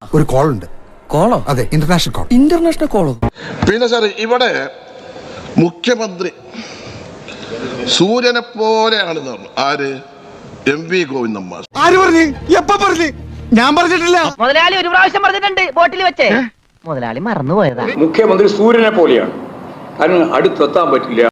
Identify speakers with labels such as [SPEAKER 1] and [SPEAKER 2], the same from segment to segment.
[SPEAKER 1] ഒരു കോൾ ഉണ്ട്.
[SPEAKER 2] കോളോ?
[SPEAKER 1] അതെ, ഇന്റർനാഷണൽ കോൾ.
[SPEAKER 2] ഇന്റർനാഷണൽ കോളോ?
[SPEAKER 3] പിന്നെ സാർ ഇവിടെ മുഖ്യമന്ത്രി സൂര്യനെ പോലെയാണെന്ന് പറഞ്ഞു. ആര്? MV ഗോവിന്ദൻ മാഷ്.
[SPEAKER 1] ആര് പറഞ്ഞു? എപ്പ പറഞ്ഞു? ഞാൻ പറഞ്ഞിട്ടില്ല.
[SPEAKER 4] മുതലാളി ഒരു പ്രാവശ്യം പറഞ്ഞിട്ടുണ്ട് ബോട്ടിൽ വെച്ചേ. മുതലാളി മറന്നുപോയതാ.
[SPEAKER 5] മുഖ്യമന്ത്രി സൂര്യനെ പോലെയാണ്, അതിന് അടുത്തെത്താൻ പറ്റില്ല.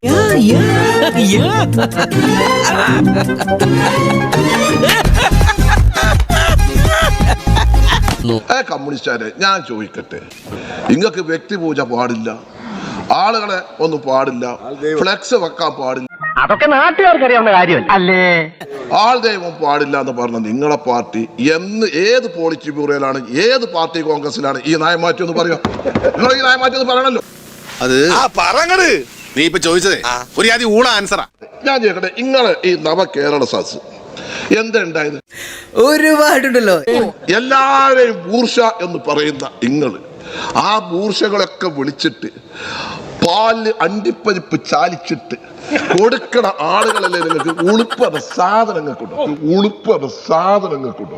[SPEAKER 3] കമ്മ്യൂണിസ്റ്റുകാരെ ഞാൻ ചോദിക്കട്ടെ, നിങ്ങൾക്ക് വ്യക്തിപൂജ പാടില്ല, ആളുകളെ ഒന്നും പാടില്ല, ഫ്ലെക്സ് വെക്കാൻ പാടില്ല,
[SPEAKER 4] അതൊക്കെ നാട്ടുകാർക്ക് അറിയാവുന്ന കാര്യമല്ല അല്ലേ?
[SPEAKER 3] ആൾ ദൈവം പാടില്ല എന്ന് പറഞ്ഞ നിങ്ങളെ പാർട്ടി ഏത് പോളിറ്റ് ബ്യൂറോയിലാണ്, ഏത് പാർട്ടി കോൺഗ്രസിലാണ് ഈ നയമാറ്റം എന്ന് പറയാം? നിങ്ങൾ ഈ നയമാറ്റം എന്ന് പറയണല്ലോ.
[SPEAKER 6] അത് പറഞ്ഞത് നീ ഇപ്പൊ ചോദിച്ചതേ ഒരു ആദ്യം ഊള ആൻസറാ.
[SPEAKER 3] ഞാൻ ചോദിക്കട്ടെ, നിങ്ങള് ഈ നവകേരള സദസ് എന്തുണ്ടായത്?
[SPEAKER 2] ഒരുപാടുണ്ടല്ലോ.
[SPEAKER 3] എല്ലാവരെയും ബൂർഷ എന്ന് പറയുന്ന നിങ്ങള് ആ ബൂർഷകളൊക്കെ വിളിച്ചിട്ട് പാല് അണ്ടിപ്പരിപ്പ് ചാലിച്ചിട്ട് കൊടുക്കണ ആളുകളല്ലേ നിങ്ങൾക്ക് ഉളുപ്പറ സാധനങ്ങൾക്കുണ്ടോ? ഉളുപ്പറ സാധനങ്ങൾക്കുണ്ടോ?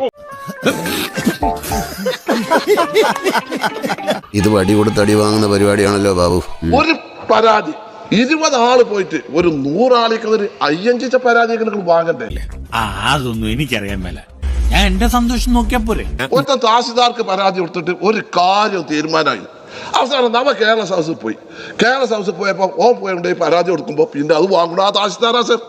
[SPEAKER 6] ഇത് വടി കൊടുത്ത് അടി വാങ്ങുന്ന പരിപാടിയാണല്ലോ ബാബു.
[SPEAKER 3] ഒരു പരാതി 20 ആള് പോയിട്ട് ഒരു 100 ആളിക്ക് അയ്യഞ്ചിച്ച പരാതിയൊക്കെ നിങ്ങൾ വാങ്ങണ്ടേ?
[SPEAKER 7] അതൊന്നും എനിക്കറിയാൻ മേല. ഞാൻ എന്റെ സന്തോഷം നോക്കിയാ പോരെ.
[SPEAKER 3] ഒരുത്തൻ തഹസിൽദാർക്ക് പരാതി കൊടുത്തിട്ട് ഒരു കാര്യം തീരുമാനമായി. അവസാനം നമ്മ കേരള സദസ്സിൽ പോയി. കേരള സദസ്സിൽ പോയപ്പോ ഓൻ പോയി പരാതി കൊടുക്കുമ്പോ പിന്നെ അത് വാങ്ങണോ ആ തഹസിൽദാരാ സർ?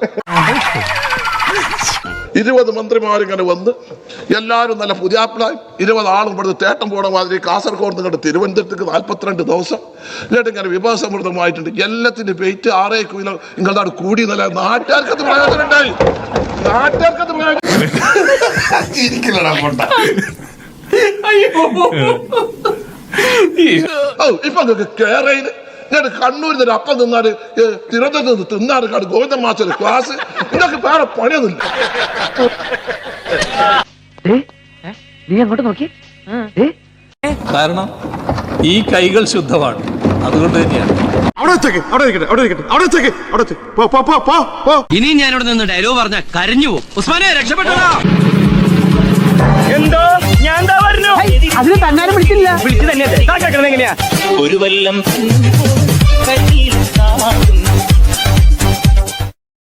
[SPEAKER 3] 20 മന്ത്രിമാരിങ്ങനെ വന്ന് എല്ലാവരും നല്ല പുതിയാപ്പിളായി 20 ആളും ഇവിടുന്ന് തേട്ടം പോണ മാതിരി കാസർഗോഡ് നിങ്ങളുടെ തിരുവനന്തപുരത്തേക്ക് 42 ദിവസം എന്നിട്ട് ഇങ്ങനെ വിഭവസമൃദ്ധമായിട്ടുണ്ട്. എല്ലാത്തിന്റെ വെയിറ്റ് 6 കിലോ നിങ്ങളുടെ കൂടി നല്ല നാട്ടുകാർക്കത് പ്രയോജനം ഉണ്ടായി. നാട്ടുകാർക്കത് പ്രയോജനം. ഇപ്പൊ നിങ്ങൾക്ക് കേരളയിൽ ഞാൻ കണ്ണൂരിൽ നിന്ന് അപ്പം തിന്നാല് തിരുവനന്തപുരത്ത് തിന്നാറ് കാട് ഗോവിന്ദൻ മാസ്റ്റർ ക്ലാസ്. ഇതൊക്കെ വേറെ പണിയൊന്നുമില്ല.
[SPEAKER 4] നീ അങ്ങോട്ട് നോക്കി.
[SPEAKER 7] കാരണം ഈ കൈകൾ ശുദ്ധമാണ്, അതുകൊണ്ട് തന്നെയാണ്.
[SPEAKER 2] ഇനി ഞാനിവിടെ നിന്ന് ഡയലോഗ് പറഞ്ഞ കരഞ്ഞു പോകും. ഉസ്മാനെ രക്ഷപ്പെട്ടോ.
[SPEAKER 4] എന്തോ ഞാൻ പറഞ്ഞു അതിന് തന്നാലും വിളിച്ചില്ല. വിളിച്ചു തന്നെ എങ്ങനെയാ ഒരു വല്ലം